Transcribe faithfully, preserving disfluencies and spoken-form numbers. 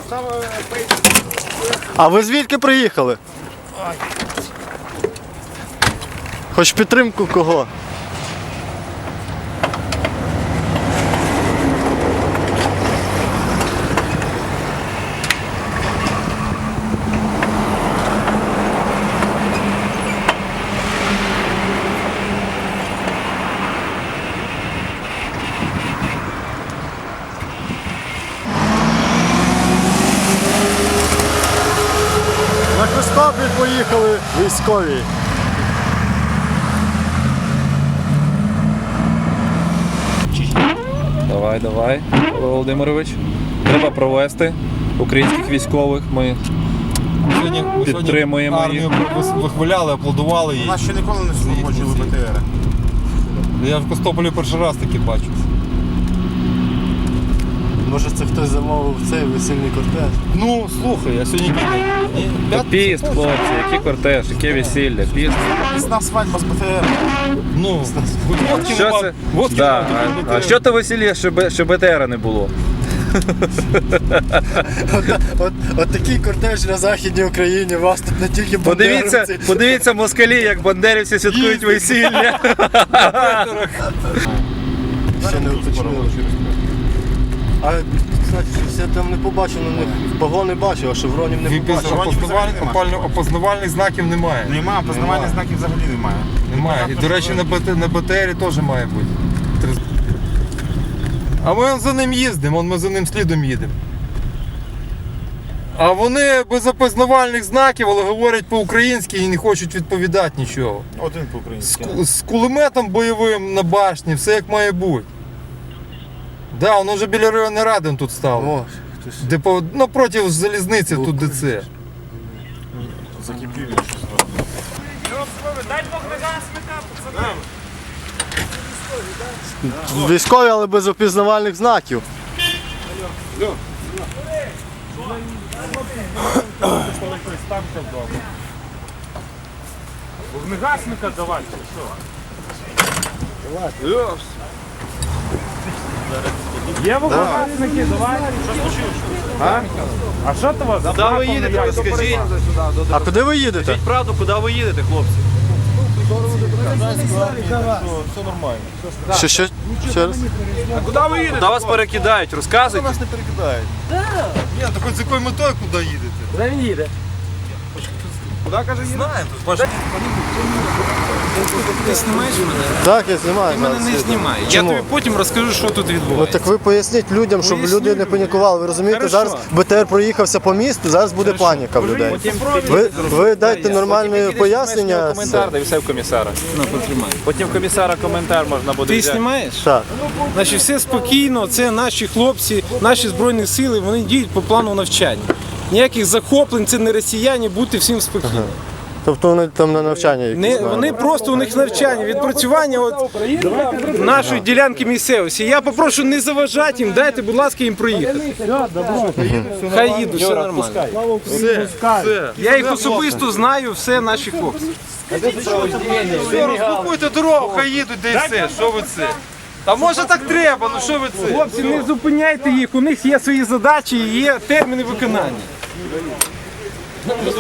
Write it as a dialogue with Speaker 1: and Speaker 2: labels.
Speaker 1: А ви звідки приїхали? Хоч підтримку кого? На Костопіль поїхали військові.
Speaker 2: Давай, давай, Володимирович. Треба провести українських військових. Ми
Speaker 3: Сьогодні, ми
Speaker 2: підтримуємо
Speaker 3: сьогодні армію вихваляли, аплодували її.
Speaker 4: Нас ще ніколи не супроводжували Б Т Р.
Speaker 3: Я в Костополі перший раз таки бачу.
Speaker 1: Може це хтось замовив цей весільний кортеж?
Speaker 3: Ну, слухай, я сьогодні
Speaker 2: Та піст, хлопці, який кортеж, яке весілля, піст.
Speaker 4: Пісна свадьба з Б Т Р.
Speaker 3: Ну, водки
Speaker 2: Що
Speaker 3: нема.
Speaker 2: це?
Speaker 3: Водки
Speaker 2: Да.
Speaker 3: нема,
Speaker 2: А, а що то весілля, що, Б- що Б Т Р не було?
Speaker 1: От, от, от такий кортеж на Західній Україні, вас тут не тільки
Speaker 2: Подивіться,
Speaker 1: бандеровці.
Speaker 2: подивіться москалі, як бандерівці святкують весілля.
Speaker 1: Ще не уточнили. А, кстати, щось я там не побачив на них, погони бачив, а шевронів не побачив.
Speaker 3: Опознавальних, опально- опознавальних знаків немає.
Speaker 4: Нема, познавальних знаків взагалі немає.
Speaker 3: Немає. І, до речі, на БТ, на Б Т Р теж має бути. А ми он за ним їздимо, он ми за ним слідом їдемо. А вони без опознавальних знаків, але говорять по-українськи і не хочуть відповідати нічого.
Speaker 4: Один
Speaker 3: З,
Speaker 4: по-українськи.
Speaker 3: ку- з кулеметом бойовим на башні, все як має бути. Да, воно вже біля районної ради тут стало.
Speaker 1: О, хтось.
Speaker 3: Де по, ну, проти залізниці, тут де це.
Speaker 4: Закипів щось зробили.
Speaker 1: Військові, але без опізнавальних знаків.
Speaker 5: Вогнегасника давати, чи що? Є вогнегасники, давай. Що случилось? А що то вас?
Speaker 6: Куди ви їдете, розкажіть?
Speaker 1: А куди ви їдете?
Speaker 6: Скажіть правду, куди ви їдете, хлопці?
Speaker 3: Все нормально.
Speaker 1: Що, що? Ще раз?
Speaker 6: Куди ви їдете? Куди вас перекидають, розказуйте.
Speaker 3: Нас не перекидають. Ні, так хоч з якою метою куди їдете?
Speaker 5: Куди він їде?
Speaker 6: Куди, каже, їдете?
Speaker 3: Знаємо, тут ваш...
Speaker 7: Ти знімаєш мене?
Speaker 1: Так, я знімаю.
Speaker 7: Ти мене
Speaker 1: зараз.
Speaker 7: не знімай. Я
Speaker 1: Чому?
Speaker 7: тобі потім розкажу, що тут
Speaker 1: Ну
Speaker 7: відбувається.
Speaker 1: так ви поясніть людям, щоб
Speaker 7: Поясню
Speaker 1: люди не
Speaker 7: людям.
Speaker 1: панікували. Ви розумієте,
Speaker 7: Хорошо.
Speaker 1: зараз Б Т Р проїхався по місту, зараз буде паніка в людей. Ви, ви дайте нормальне пояснення.
Speaker 2: Коментар, да і все в комісара.
Speaker 7: Ну, потримай.
Speaker 2: Потім в комісара коментар можна буде
Speaker 7: Ти
Speaker 2: взяти.
Speaker 7: знімаєш?
Speaker 1: Так.
Speaker 7: Значить, все спокійно, це наші хлопці, наші Збройні сили, вони діють по плану навчання. Ніяких захоплень, це не росіяни, будьте всім спокійно.
Speaker 1: Тобто вони там на навчання якісь.
Speaker 7: Не,
Speaker 1: да?
Speaker 7: вони просто у них навчання, відпрацювання от нашої ділянки місцевості. Я попрошу не заважати їм, дайте, будь ласка, їм проїхати. Хай їдуть, все нормально.
Speaker 3: Все, все.
Speaker 7: Я їх особисто знаю, все наші хлопці.
Speaker 3: Все, розблокуйте дорогу, хай їдуть, де і все. Що ви це? Та може так треба, ну що ви це?
Speaker 7: Хлопці, не зупиняйте їх, у них є свої задачі і є терміни виконання.